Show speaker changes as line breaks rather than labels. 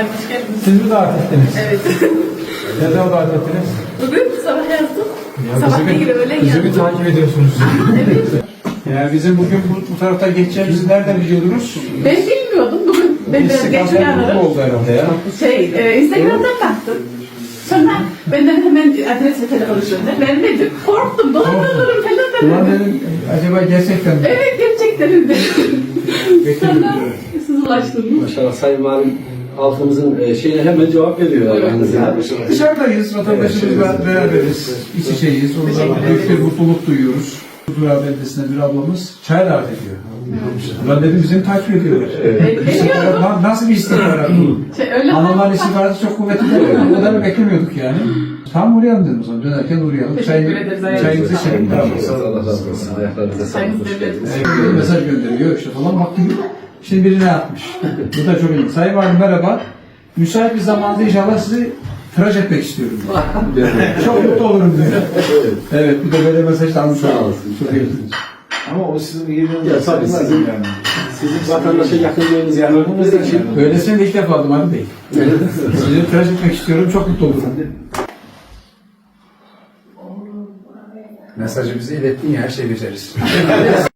Efendim hoş geldiniz.
Siz mi davet ettiniz?
Evet.
Ne zaman davet ettiniz?
Bugün sabah yazdım.
Ya
Sabah değil öğlen
bizi
yazdım.
bir takip ediyorsunuz.
Evet.
Yani bizim bugün bu tarafta geçeceğimizi nereden biliyordunuz?
Ben bilmiyordum. Bugün ben biraz geç
İstikamda
uyanırım.
oldu herhalde ya.
Instagram'dan baktım. Sonra benden hemen adres ve telefonu söyledi. Vermedim. Korktum. Dolandırırım falan
Ulan
dedim.
dedim acaba gerçekten mi?
Evet gerçekten öyle. Sonra siz ulaştınız.
Maşallah Sayın Valim halkımızın şeyine hemen cevap veriyor.
Evet.
Yani.
Dışarıdayız, vatandaşımızla beraberiz, iç içeyiz. Onlarla büyük bir mutluluk duyuyoruz. Huzura beldesinde bir ablamız çay davet ediyor. Ulan dedim bizim takip ediyorlar.
Biliyordum.
Nasıl bir istihbarat bu?
Öyle
Hanımlar istihbaratı çok kuvvetli değil. O kadarını beklemiyorduk yani. Tam uğrayalım dedim o zaman. Dönerken uğrayalım.
Teşekkür ederiz, ayağınıza
Çayımızı içelim.
Allah razı olsun. Ayaklarınıza sağlık.
Sayınız devletimiz.
Evet, mesaj gönderiyor işte falan baktım. Şimdi birine atmış. Bu da çok iyi. Sayın Valim merhaba. Müsait bir zamanda inşallah sizi tıraş etmek istiyorum. Çok mutlu olurum diyor. Evet bir de böyle mesaj da almış
Sağ
olalım.
olasın.
Çok iyi.
Ama o sizin iyiliğiniz.
Ya tabii sizin vatandaşa yakınlığınız yanınızda şey.
Böylesini de ilk defa aldım Ali Bey. Sizi tıraş etmek istiyorum. Çok mutlu olurum. Mesajı bize ilettin ya her şeyi beceririz.